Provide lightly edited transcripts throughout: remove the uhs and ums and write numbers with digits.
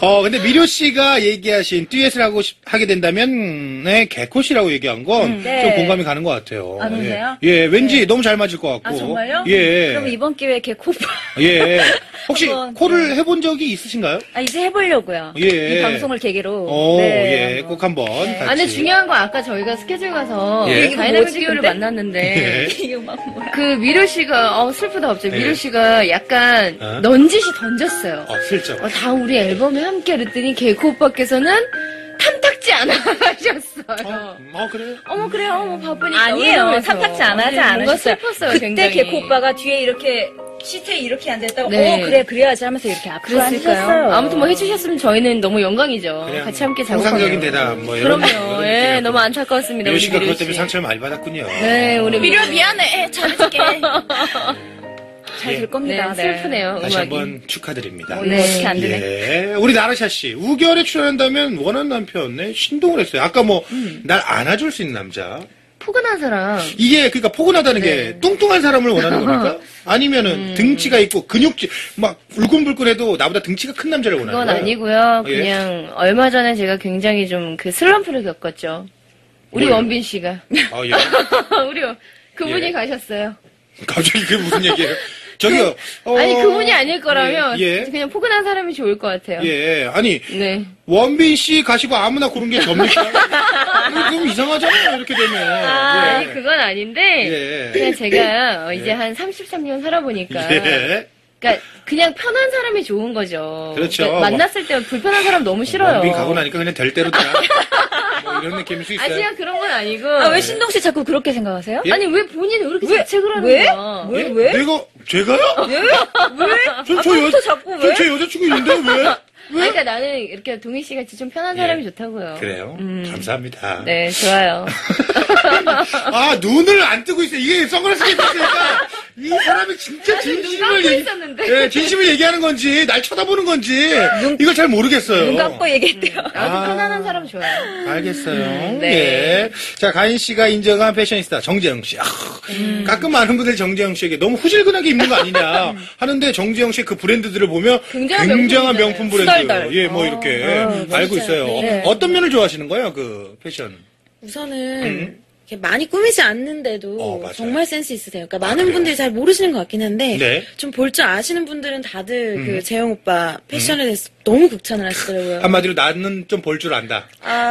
근데 미료 씨가 얘기하신 듀엣을 하게 된다면, 네, 개콧이라고 얘기한 건 좀 공감이 가는 것 같아요. 아, 그러세요? 예, 왠지 너무 잘 맞을 것 같고. 아, 정말요? 예. 그럼 이번 기회에 개코. 예. 혹시 한번, 코를 해본 적이 있으신가요? 아, 이제 해보려고요. 예. 이 방송을 계기로. 예, 한번. 꼭 한번. 같이. 아, 근데 중요한 건 아까 저희가 스케줄 가서 예. 다이나믹 뭐지, 듀오를 근데? 만났는데 이거 막 뭐야. 그 미료 씨가 슬프다 갑자기 예. 미료 씨가 약간 어? 넌지시 던졌어요. 슬쩍. 다음 우리 앨범에 함께 그랬더니 개코 오빠께서는 탐탁지 않아 하셨어요. 그래요? 어머 그래요. 어머 바쁘니까. 아니에요. 이러면서. 탐탁지 안 하지 뭔가 않으셨어요. 슬펐어요. 그때 굉장히. 개코 오빠가 뒤에 이렇게 시트에 이렇게 앉아있다가 네. 그래 그래야지 하면서 이렇게 앞으로 앉으셨어요. 그랬을까요? 아무튼 뭐 해주셨으면 저희는 너무 영광이죠. 그냥 같이 함께 작업하면. 통상적인 대답, 뭐, 이런. 그럼요. 예, 너무 안타까웠습니다. 미료 우리 씨가 미료 그것 때문에 씨. 상처를 많이 받았군요. 네, 우리 미료 미안해. 잘해줄게. 잘 예. 될 겁니다. 네, 슬프네요. 다시 음악이. 한번 축하드립니다. 네, 이렇게 안 되네. 예. 우리 나라샤 씨, 우결에 출연한다면 원하는 남편, 네, 신동을 했어요. 아까 뭐, 날 안아줄 수 있는 남자. 포근한 사람. 이게, 그러니까 포근하다는 게 네. 뚱뚱한 사람을 원하는 겁니까? 아니면은 등치가 있고 근육질, 막, 불끈불끈해도 나보다 등치가 큰 남자를 원하는 그건 거예요? 아니고요. 예. 그냥 얼마 전에 제가 굉장히 좀 그 슬럼프를 겪었죠. 우리 뭐예요? 원빈 씨가. 예. 그분이 예. 가셨어요. 갑자기 그게 무슨 얘기예요? 저기요. 아니 그분이 아닐 거라면 예. 그냥 포근한 사람이 좋을 것 같아요. 예. 아니, 네. 원빈 씨 가시고 아무나 고른 게 접니까? 그럼 이상하잖아요, 이렇게 되면. 아니 예. 그건 아닌데 예. 그냥 제가 이제 한 33년 살아보니까 예. 그러니까 그냥 편한 사람이 좋은 거죠. 그렇죠. 그러니까 만났을 때 불편한 사람 너무 싫어요. 원빈 가고 나니까 그냥 될 대로 되라. 뭐 이런 느낌일 수 있어요. 아직 그런 건 아니고. 아, 왜 신동 씨 자꾸 그렇게 생각하세요? 예? 아니 왜 본인은 왜 이렇게 왜? 자책을 하는 왜? 거야? 왜? 예? 왜? 내가, 제가요? 왜? 왜? 저 자꾸 왜? 제 여자친구 있는데 왜? 왜? 그러니까 나는 이렇게 동희 씨 같이 좀 편한 사람이 좋다고요. 그래요? 감사합니다. 네, 좋아요. 눈을 안 뜨고 있어요. 이게 선글라스 끼니까 이 사람이 진짜 진심을 있었는데. 진심을 얘기하는 건지 날 쳐다보는 건지 이걸 잘 모르겠어요. 눈 감고 얘기했대요. 나도 편안한 사람 좋아요. 알겠어요. 네. 예. 자, 가인 씨가 인정한 패셔니스타 정재영 씨. 가끔 많은 분들이 정재영 씨에게 너무 후질근하게 입는 거 아니냐 하는데 정재영 씨의 그 브랜드들을 보면 굉장한 굉장한 명품이잖아요. 명품 브랜드. 수달달. 예, 뭐 이렇게 알고 있어요. 네. 어떤 면을 좋아하시는 거예요, 그 패션? 우선은 이렇게 많이 꾸미지 않는데도 맞아요. 정말 센스 있으세요. 그러니까 많은 그래요? 분들이 잘 모르시는 것 같긴 한데 네. 좀 볼 줄 아시는 분들은 다들 그 재영 오빠 패션에 대해서 너무 극찬을 하시더라고요. 한마디로 나는 좀 볼 줄 안다.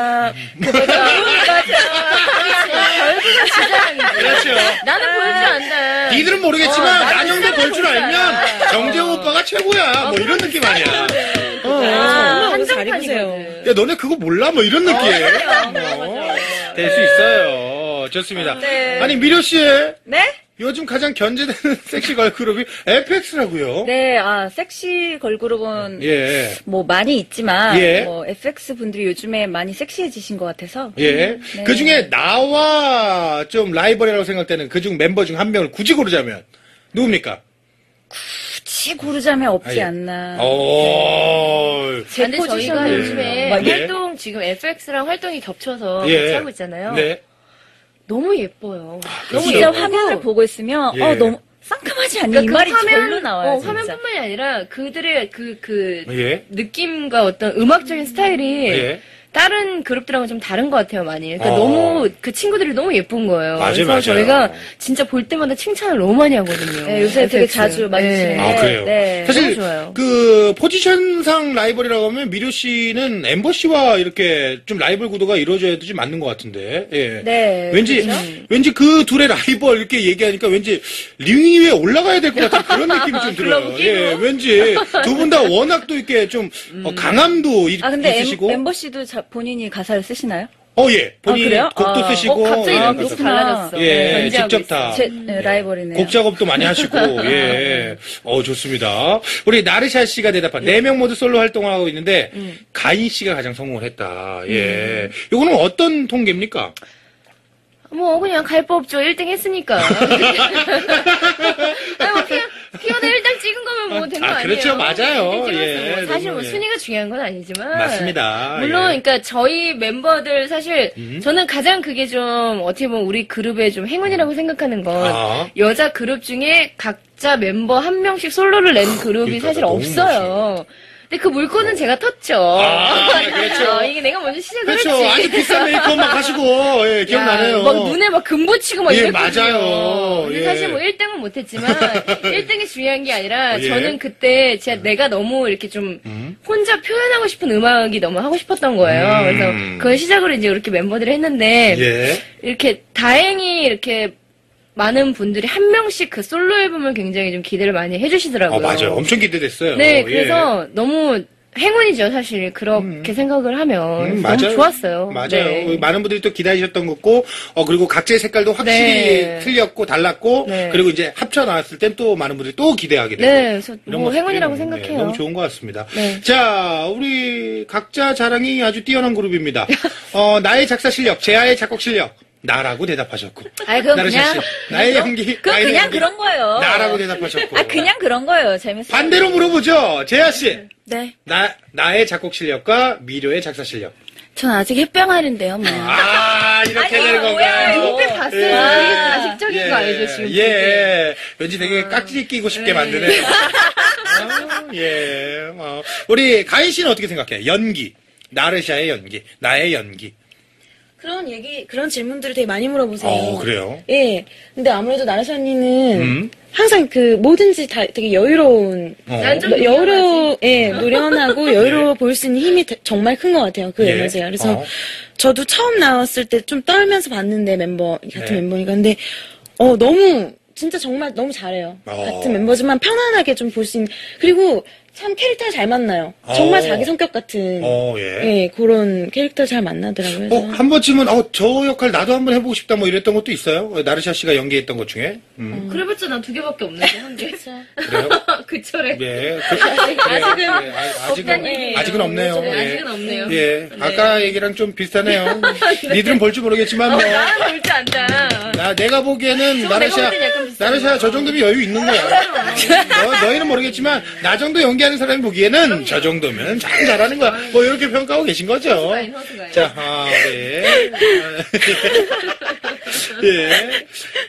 얼굴은 지자랑이지. 그렇죠. 나는 볼 줄 안다. 니들은 모르겠지만 나도 나정도 볼 줄 볼 줄 알면 알아. 정재영 오빠가 최고야. 뭐 이런 느낌 아니야. 정말 잘 입으세요. 한정판이거든. 야, 너네 그거 몰라? 뭐 이런 느낌. 될 수 있어요. 좋습니다. 네. 아니, 미료 씨. 네? 요즘 가장 견제되는 섹시 걸그룹이 FX라고요. 네, 섹시 걸그룹은 예. 뭐 많이 있지만 예. 뭐 FX 분들이 요즘에 많이 섹시해지신 것 같아서 예. 네. 그 중에 나와 좀 라이벌이라고 생각되는 그중 멤버 중 한 명을 굳이 고르자면 누굽니까? 굳이 고르자면 없지 아, 예. 않나. 제 근데 저희가 포지션을- 요즘에 예. 활동 지금 FX랑 활동이 겹쳐서 예. 같이 하고 있잖아요. 네. 너무 예뻐요. 그렇죠. 진짜 화면을 보고 있으면 예. 너무 상큼하지 않니? 그러니까 이 말이 화면, 절로 나와요. 진짜. 화면뿐만이 아니라 그들의 그 예. 느낌과 어떤 음악적인 스타일이 예. 다른 그룹들하고는 좀 다른 것 같아요, 많이. 그러니까 어. 너무 그 친구들이 너무 예쁜 거예요. 맞아요, 그래서 맞아요. 저희가 진짜 볼 때마다 칭찬을 너무 많이 하거든요. 네, 요새 되게 FX. 자주 많이 주시는데. 아, 그래요? 네. 사실, 너무 좋아요. 그, 포지션상 라이벌이라고 하면 미료 씨는 엠버 씨와 이렇게 좀 라이벌 구도가 이루어져야 되지 맞는 것 같은데, 예. 네. 왠지 그 둘의 라이벌 이렇게 얘기하니까 왠지 링 위에 올라가야 될 것 같은 그런 느낌이 좀 들어요. 글러브 예, 왠지 두 분 다 워낙 또 이렇게 좀 강함도 근데 있으시고. 멤버 씨도 본인이 가사를 쓰시나요? 예. 본인 그래요? 곡도 쓰시고. 갑자기 예, 너무 그래서- 곡 달라졌어. 예, 견제하고 직접 있어. 다. 라이벌이네요. 곡 작업도 많이 하시고, 예. 좋습니다. 우리 나르샤 씨가 대답한, 4명 모두 솔로 활동하고 있는데, 가인 씨가 가장 성공을 했다. 예. 요거는 어떤 통계입니까? 뭐 그냥 갈 법 없죠. 1등 했으니까. 아니 뭐 피어나 1등 찍은 거면 뭐 된 거 아니에요? 그렇죠. 맞아요. 1등 찍었어. 예, 뭐 사실 너무, 뭐 예. 순위가 중요한 건 아니지만. 맞습니다. 물론 예. 그러니까 저희 멤버들 사실 저는 가장 그게 좀 어떻게 보면 우리 그룹의 좀 행운이라고 생각하는 건 아. 여자 그룹 중에 각자 멤버 한 명씩 솔로를 낸 그룹이 그러니까 사실 너무 없어요. 근데 그 물건은 제가 텄죠. 그렇죠. 이게 내가 먼저 시작을 그렇죠. 했지. 아주 비싼 메이크업 막 하시고, 예, 기억나네요. 막 눈에 막 금 붙이고 막 예, 이랬거든요. 맞아요. 근데 예. 사실 뭐 1등은 못했지만 1등이 중요한 게 아니라 예. 저는 그때 진짜 내가 너무 이렇게 좀 혼자 표현하고 싶은 음악이 너무 하고 싶었던 거예요. 그래서 그걸 시작으로 이제 이렇게 멤버들이 했는데 예. 이렇게 다행히 이렇게 많은 분들이 한 명씩 그 솔로 앨범을 굉장히 좀 기대를 많이 해주시더라고요. 맞아요. 엄청 기대됐어요. 네, 예. 그래서 너무 행운이죠, 사실. 그렇게 생각을 하면. 너무 좋았어요. 맞아요. 네. 많은 분들이 또 기다리셨던 거고, 그리고 각자의 색깔도 확실히 네. 틀렸고, 달랐고, 네. 그리고 이제 합쳐 나왔을 땐 또 많은 분들이 또 기대하게 되고. 네, 그래서 이런 뭐 모습들이 행운이라고 너무, 생각해요. 너무 좋은 것 같습니다. 네. 자, 우리 각자 자랑이 아주 뛰어난 그룹입니다. 나의 작사 실력, 제아의 작곡 실력. 나라고 대답하셨고. 아이, 그건 나르샤 그냥. 씨, 나의 연기. 그건 나의 그냥 연기. 그런 거예요. 나라고 대답하셨고. 그냥 그런 거예요. 재밌어요. 반대로 물어보죠. 제아 씨. 네. 나의 작곡 실력과 미료의 작사 실력. 전 아직 햇병아리인데요, 뭐. 이렇게 아니, 되는 건가요? 뭐예요? 그때 봤어요. 예. 되게 가식적인 거 알죠, 지금. 예. 왠지 되게 깍지 끼고 싶게 만드네요. 우리 가인 씨는 어떻게 생각해? 연기. 나르샤의 연기. 나의 연기. 그런 질문들을 되게 많이 물어보세요. 그래요? 예. 근데 아무래도 나라샤 언니는 항상 그 뭐든지 다 되게 여유로운, 난 좀 노련하고 여유로워 보일 수 있는 힘이 정말 큰 것 같아요. 그 예. 에너지가. 그래서 어. 저도 처음 나왔을 때 좀 떨면서 봤는데 같은 네. 멤버니까. 근데, 너무, 진짜 정말 너무 잘해요. 같은 멤버지만 편안하게 좀 볼 수 있는. 그리고 참 캐릭터가 잘 만나요. 정말 자기 성격 같은. 그런 캐릭터 잘 만나더라고요. 그래서. 한 번쯤은, 저 역할 나도 한번 해보고 싶다 뭐 이랬던 것도 있어요? 나르샤 씨가 연기했던 것 중에? 그래봤자 난 2개밖에 없는데, 한 개. 그래요? 그철에. 네. 없다니. 아직은 없네요. 네, 예. 아직은 없네요. 예. 아까 얘기랑 좀 비슷하네요. 니들은 볼 줄 모르겠지만, 뭐. 나는 볼줄 안다. 내가 보기에는 내가 볼 때는 약간 비슷한 나르샤 저 정도면 여유 있는 거야. 너희는 모르겠지만, 나 정도 연기하는 사람이 보기에는 저 정도면 참 잘하는 거야. 뭐, 이렇게 평가하고 계신 거죠. 허수가인. 자, 네. 예.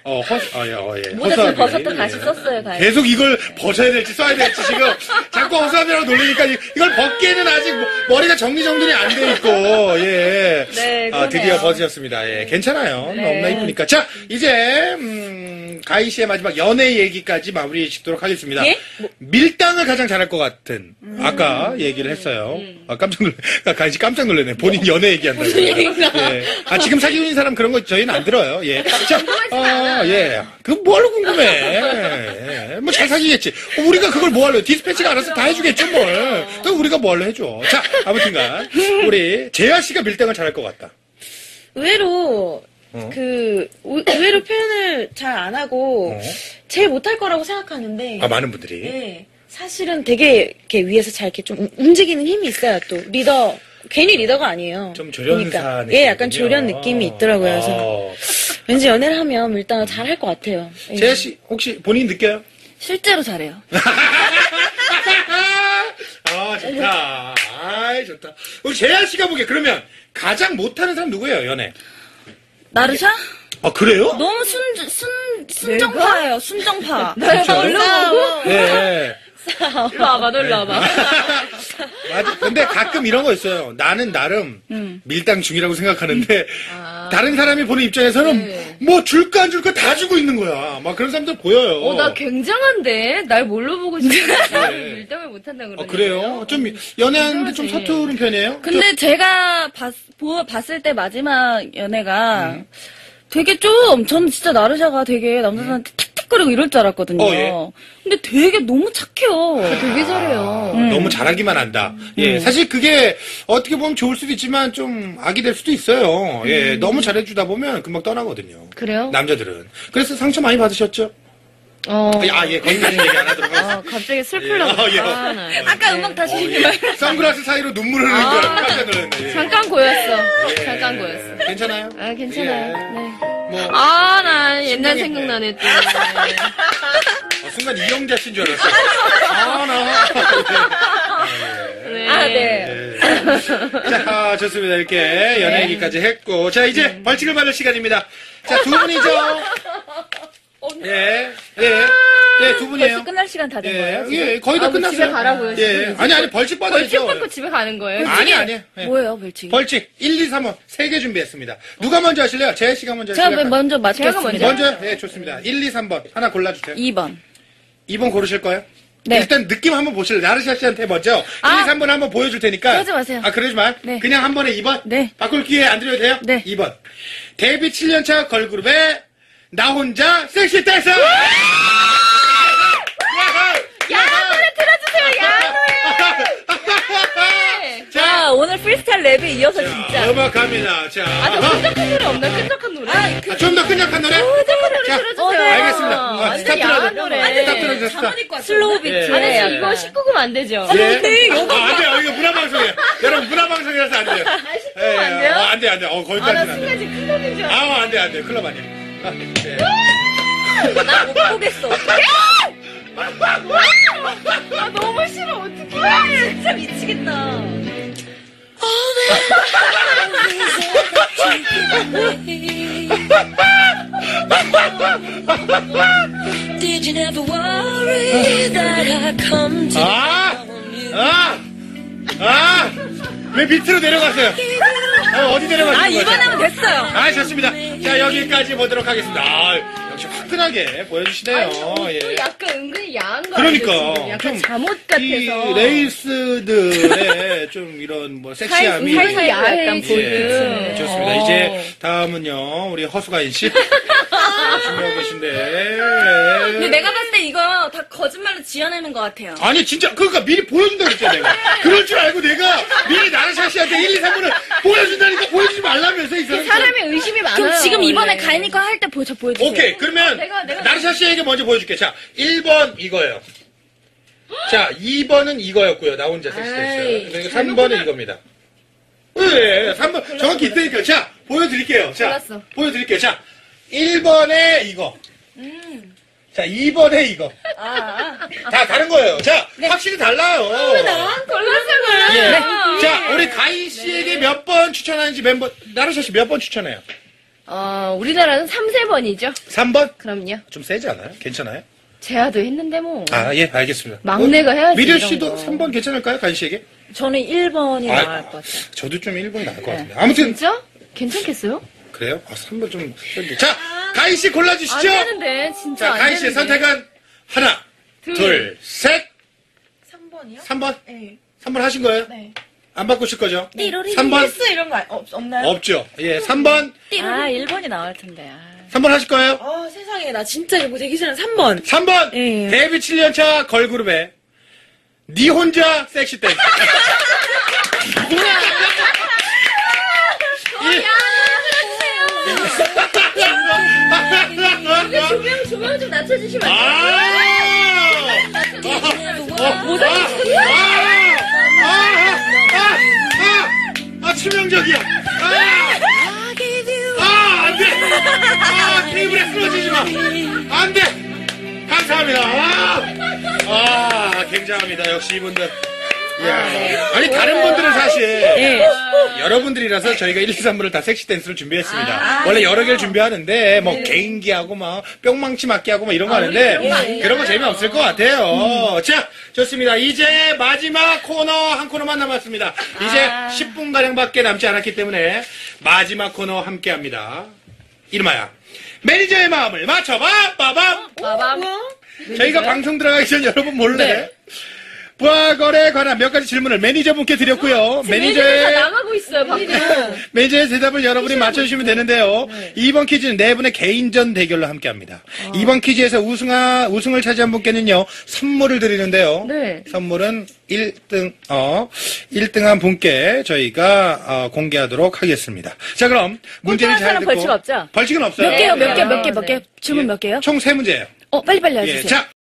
모자 버섯도 다시 썼어요, 가인. 계속 이걸 벗어야 될지 써야 될지 지금 자꾸 허수아비라고 놀리니까 이걸 벗기에는 아직 머리가 정리정돈이 안 돼 있고, 예. 네, 그러네요. 드디어 벗으셨습니다. 예, 괜찮아요. 너무나 이쁘니까. 자, 이제, 가희 씨의 마지막 연애 얘기까지 마무리 짓도록 하겠습니다. 예? 밀당을 가장 잘할 것 같은, 아까 얘기를 했어요. 깜짝 가희 씨 깜짝 놀랐네. 본인 연애 얘기한다고. 예. 지금 사귀고 있는 사람 그런 거 저희는 안 들어요. 예. 자, 예. 그거 뭐하러 궁금해. 예. 뭐 잘 사귀겠지. 우리가 그걸 뭐 하려. 디스패치가 알아서 다 해주겠죠, 뭘. 또 우리가 뭐 하려 해줘. 자, 아무튼간. 우리 재하 씨가 밀당을 잘할 것 같다. 의외로, 의외로 표현을 잘 안 하고, 제일 못할 거라고 생각하는데. 많은 분들이. 네. 사실은 되게 이렇게 위에서 잘 이렇게 좀 움직이는 힘이 있어요, 또. 괜히 리더가 아니에요. 좀 조련사 느낌. 예, 약간 조련 느낌이 있더라고요. 그래서 왠지 연애를 하면 밀당을 잘 할 것 같아요. 예. 재하 씨, 혹시 본인 느껴요? 실제로 잘해요. 좋다. 좋다. 우리 재하 씨가 보기에 그러면 가장 못하는 사람 누구예요, 연애? 나르샤? 그래요? 너무 순정파예요, 순정파. 그렇죠? 싸워. 네. 일로 와봐, 너 일로 와봐. 맞아. 근데 가끔 이런 거 있어요. 나는 나름 밀당 중이라고 생각하는데 다른 사람이 보는 입장에서는 뭐 줄까 안 줄까 다 주고 있는 거야. 막 그런 사람들 보여요. 나 굉장한데? 날 뭘로 보고 싶어? 네. 밀당을 못한다 그러네. 그래요? 좀 연애하는데 좀 이상하지. 서투른 편이에요? 근데 제가 봤을 때 마지막 연애가 되게 저는 진짜 나르샤가 되게 남자들한테 틱틱거리고 이럴 줄 알았거든요. 예. 근데 되게 너무 착해요. 되게 잘해요. 너무 잘하기만 한다. 예, 사실 그게 어떻게 보면 좋을 수도 있지만 좀 악이 될 수도 있어요. 예, 너무 잘해주다 보면 금방 떠나거든요. 그래요? 남자들은. 그래서 상처 많이 받으셨죠? 예, 거기까지 얘기 안 하도록 하겠습니다. 갑자기 슬플라고. 예. 나. 아까 음악 다시 선글라스 사이로 눈물 흐르는 거 깜짝 놀랐네. 예. 잠깐 고였어. 잠깐 고였어. 괜찮아요? 괜찮아요. 예. 네. 뭐, 나 옛날 신나게 생각나네, 또. 순간 이영자 씨인 줄 알았어요. 네. 자, 좋습니다. 이렇게 연애 얘기까지 했고. 자, 이제 벌칙을 받을 시간입니다. 자, 두 분이죠. 예. 네, 두 분이에요. 벌써 끝날 시간 다 된 거예요? 예, 거의 다 끝났어요. 집에 가라고요. 예. 아니, 벌칙 받아야죠. 벌칙 받고 집에 가는 거예요. 아니. 예. 뭐예요, 벌칙이? 벌칙 1, 2, 3번 3개 준비했습니다. 누가 먼저 하실래요? 재혜 씨가 먼저 제가 하실래요? 먼저 맞겠습니다. 먼저? 예, 좋습니다. 1, 2, 3번 하나 골라주세요. 2번. 2번 고르실 거예요? 네. 일단 느낌 한번 보실래요? 나르샤 씨한테 먼저 1, 2, 3번 한번 보여줄 테니까. 그러지 마세요. 그러지 마. 네. 그냥 한 번에 2번? 네. 바꿀 기회 안 드려도 돼요? 네. 2번. 데뷔 7년차 걸그룹의 나 혼자 섹시 댄서! 야한 노래 틀어주세요. 야한 노래. 자, 오늘 프리스타일 랩에 이어서 진짜. 음악합니다. 자. 끈적한 노래 없나? 끈적한 노래. 좀 더 끈적한 노래? 끈적한 노래 자, 틀어주세요. 알겠습니다. 완전 스탑 야한 틀어줘. 노래. 스탑 틀어줬어. 슬로우 비트. 예. 아니, 이거 19금 안 되죠? 예. 안 돼요. 이거 문화방송이에요. 여러분, 문화방송이라서 안 돼요. 19금 안 돼요? 안 돼. 나 거기까지는 안 순간 돼. 지금 클럽인 줄 알았어. 안 돼. 클럽 아니에요. 예. 나 못 보겠어. 어떡해? 너무 싫어. 어떡해. 진짜 미치겠다. Did you never worry that I come to 왜 밑으로 내려갔어요? 어디 내려가시는 거죠? 2번 하면 됐어요. 좋습니다. 자, 여기까지 보도록 하겠습니다. 역시 화끈하게 보여주시네요. 예. 약간 은근히 야한 거 그러니까. 아니에요, 지금? 약간 좀 잠옷 같아서. 이 레이스들의 좀 이런 뭐 섹시함이. 살살 약간 예, 보이는. 좋습니다. 이제 다음은요, 우리 허수가인 씨. 준비하고 계신데. 근데 내가 봤을 때 이거 다 거짓말로 지어내는 것 같아요. 아니, 진짜, 그러니까 미리 보여준다고 그랬잖아, 내가. 그럴 줄 알고 내가 미리 나르샤 씨한테 1, 2, 3분을 보여준다니까 보여주지 말라면서, 이 사람. 사람이 의심이 많아요. 그럼 지금 이번에 원래. 가인이 거 할 때 보여주세요. 오케이, 그러면 내가 나르샤 씨에게 먼저 보여줄게. 자, 1번 이거예요. 자, 2번은 이거였고요. 나 혼자 아이, 섹시했어요. 그리고 3번은 이겁니다. 네, 3번. 정확히 있다니까요. 자, 보여드릴게요. 자, 골랐어. 보여드릴게요. 자, 1번에 이거. 자, 2번에 이거. 다 다른 거예요. 자, 확실히 달라요. 골랐어요. 예. 자, 우리 가인 씨에게 몇 번 추천하는지 멤버, 나르샤 씨 몇 번 추천해요? 우리나라는 3, 4번이죠. 3번? 그럼요. 좀 세지 않아요? 괜찮아요? 제아도 했는데 뭐. 예, 알겠습니다. 막내가 해야지, 미려 이런 씨도 거. 3번 괜찮을까요? 가인 씨에게? 저는 1번이 아, 나을 것 같아요. 저도 좀 1번이 나을 것 같은데. 아무튼, 진짜? 괜찮겠어요? 그래요? 3번 좀. 자, 가인 씨 안 골라주시죠. 되는데, 진짜 자, 안 가인 씨의 되는데. 선택은 하나, 둘, 셋. 3번이요? 3번? 네. 3번 하신 거예요? 네. 안 바꾸실 거죠? 1월 3번? 헬스 이런 거 없나요? 없죠. 예, 3번. 1번이 나을 텐데. 3번 하실 거예요? 세상에, 나 진짜 이거 되기 싫은 3번. 3번. 예. 데뷔 7년차 걸그룹의 니 혼자 섹시 댄스. 조명 좀 낮춰주시면 안 치명적이야. 안 돼. 테이블에 쓰러지지 마. 안 돼. 감사합니다. 굉장합니다. 역시 이분들. 아니, 다른 분들은 사실, 여러분들이라서 저희가 1, 2, 3부를 다 섹시 댄스를 준비했습니다. 원래 여러 개를 준비하는데, 뭐, 개인기하고, 막, 뿅망치 맞기하고, 막 이런 거 하는데, 그런 거 재미없을 것 같아요. 자, 좋습니다. 이제 마지막 코너, 한 코너만 남았습니다. 이제 10분가량밖에 남지 않았기 때문에, 마지막 코너 함께 합니다. 이름하여, 매니저의 마음을 맞춰봐! 빠밤! 빠밤. 저희가 방송 들어가기 전 여러분 몰래 부하거래에 관한 몇 가지 질문을 매니저분께 드렸고요. 다 매니저의 나가고 있어요, 밖에. 매니저의 대답을 여러분이 맞춰주시면 되는데요. 이번 퀴즈는 네 분의 개인전 대결로 함께합니다. 이번 퀴즈에서 우승을 차지한 분께는요 선물을 드리는데요. 네. 선물은 1등한 분께 저희가 공개하도록 하겠습니다. 자, 그럼 문제를 잘 사람 듣고 벌칙 없죠? 벌칙은 없어요. 몇 개요? 네. 몇 개? 질문 몇 개요? 총 3문제예요. 빨리빨리 예, 해주세요. 자.